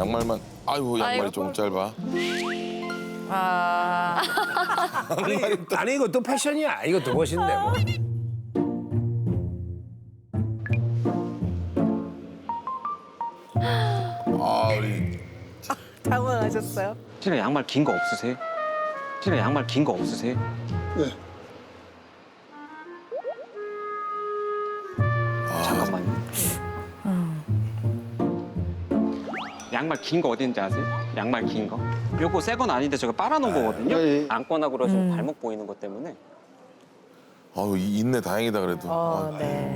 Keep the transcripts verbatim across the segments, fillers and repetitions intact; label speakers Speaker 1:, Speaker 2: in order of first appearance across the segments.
Speaker 1: 양말만. 아이고 양말이
Speaker 2: 아이고.
Speaker 1: 좀 짧아.
Speaker 2: 아.
Speaker 3: 아니, 아니 이것도 패션이야. 이것도 멋인데 뭐.
Speaker 1: 아 우리
Speaker 2: 당황하셨어요?
Speaker 4: 실은 양말 긴 거 없으세요? 실은 양말 긴 거 없으세요?
Speaker 5: 네.
Speaker 4: 잠깐만요. 양말 긴 거 어디 있는지 아세요? 양말 긴 거? 요거 새 건 아닌데 제가 빨아놓은 거거든요.
Speaker 5: 네.
Speaker 4: 안거나 그러시면 발목 보이는 것 때문에.
Speaker 1: 아유 이- 있네 다행이다 그래도.
Speaker 2: 어,
Speaker 1: 아,
Speaker 2: 네.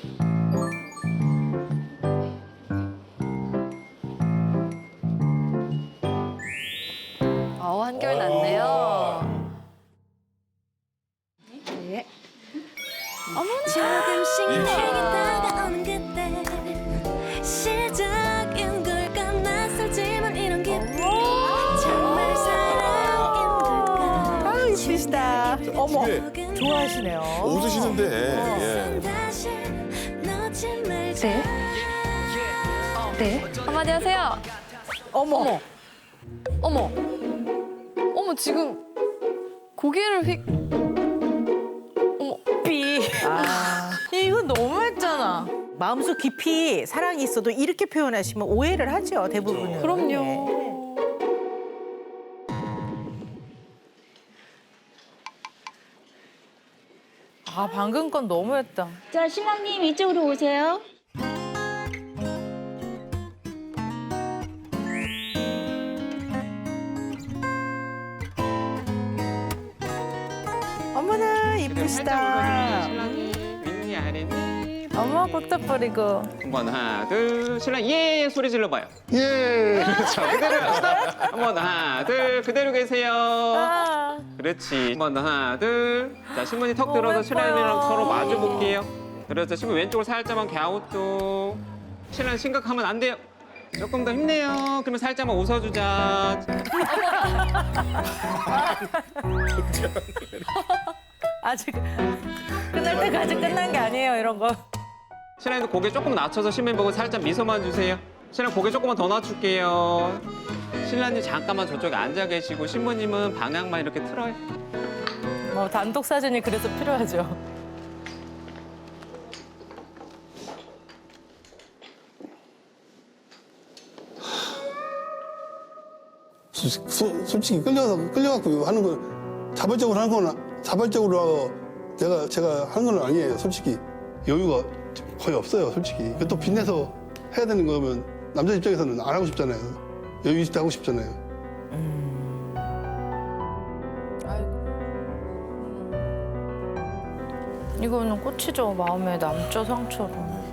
Speaker 2: 어, 한결 났네요.
Speaker 6: 조금씩 내게 다가오는 그때 시작인 걸까 낯설지만 이런 기분 정말 사랑인 걸까
Speaker 2: 아유, 이쁘시다. 어머,
Speaker 1: 네.
Speaker 2: 좋아하시네요.
Speaker 1: 웃으시는데. 예.
Speaker 6: 다시 놓지 말자
Speaker 2: 네. 네. 한마디 하세요. 어머. 어머. 어머. 어머, 지금 고개를 휙. 어머. 삐. 아. 이거 너무했잖아.
Speaker 7: 마음속 깊이 사랑이 있어도 이렇게 표현하시면 오해를 하죠, 대부분은. 네.
Speaker 2: 그럼요. 아, 방금 건 너무했다.
Speaker 8: 자, 신랑님 이쪽으로 오세요.
Speaker 7: 어머나
Speaker 4: 살짝
Speaker 7: 이쁘시다.
Speaker 4: 웃어주세요. 신랑이 윗니 아랫니.
Speaker 2: 어머, 벅떡 버리고.
Speaker 4: 한번 하나 둘 신랑 예 소리 질러봐요.
Speaker 5: 예.
Speaker 4: 자 그대로 합시다. 한번 하나 둘 그대로 계세요.
Speaker 2: 아.
Speaker 4: 그렇지. 한번 하나 둘. 자 신부님 턱
Speaker 2: 너무
Speaker 4: 들어서
Speaker 2: 예뻐요.
Speaker 4: 신랑이랑 서로 마주 볼게요. 그래서 신부 왼쪽으로 살짝만 갸우뚱. 신랑 심각하면 안 돼요. 조금 더 힘내요. 그러면 살짝만 웃어주자.
Speaker 2: 아직 끝날 때까지 끝난 게 아니에요, 이런 거.
Speaker 4: 신랑도 고개 조금 낮춰서 신부님 보고 살짝 미소만 주세요. 신랑 고개 조금만 더 낮출게요. 신랑님 잠깐만 저쪽에 앉아 계시고 신부님은 방향만 이렇게 틀어요.
Speaker 2: 뭐 단독 사진이 그래서 필요하죠.
Speaker 5: 소- 소- 솔직히 끌려서 끌려갖고 하는 건 자발적으로 하는 건 자발적으로 내가 제가 하는 건 아니에요. 솔직히 여유가 거의 없어요. 솔직히 또 빚내서 해야 되는 거면 남자 입장에서는 안 하고 싶잖아요. 여유 있을 때 하고 싶잖아요.
Speaker 2: 이거는 꽃이죠. 마음에 남죠, 상처로.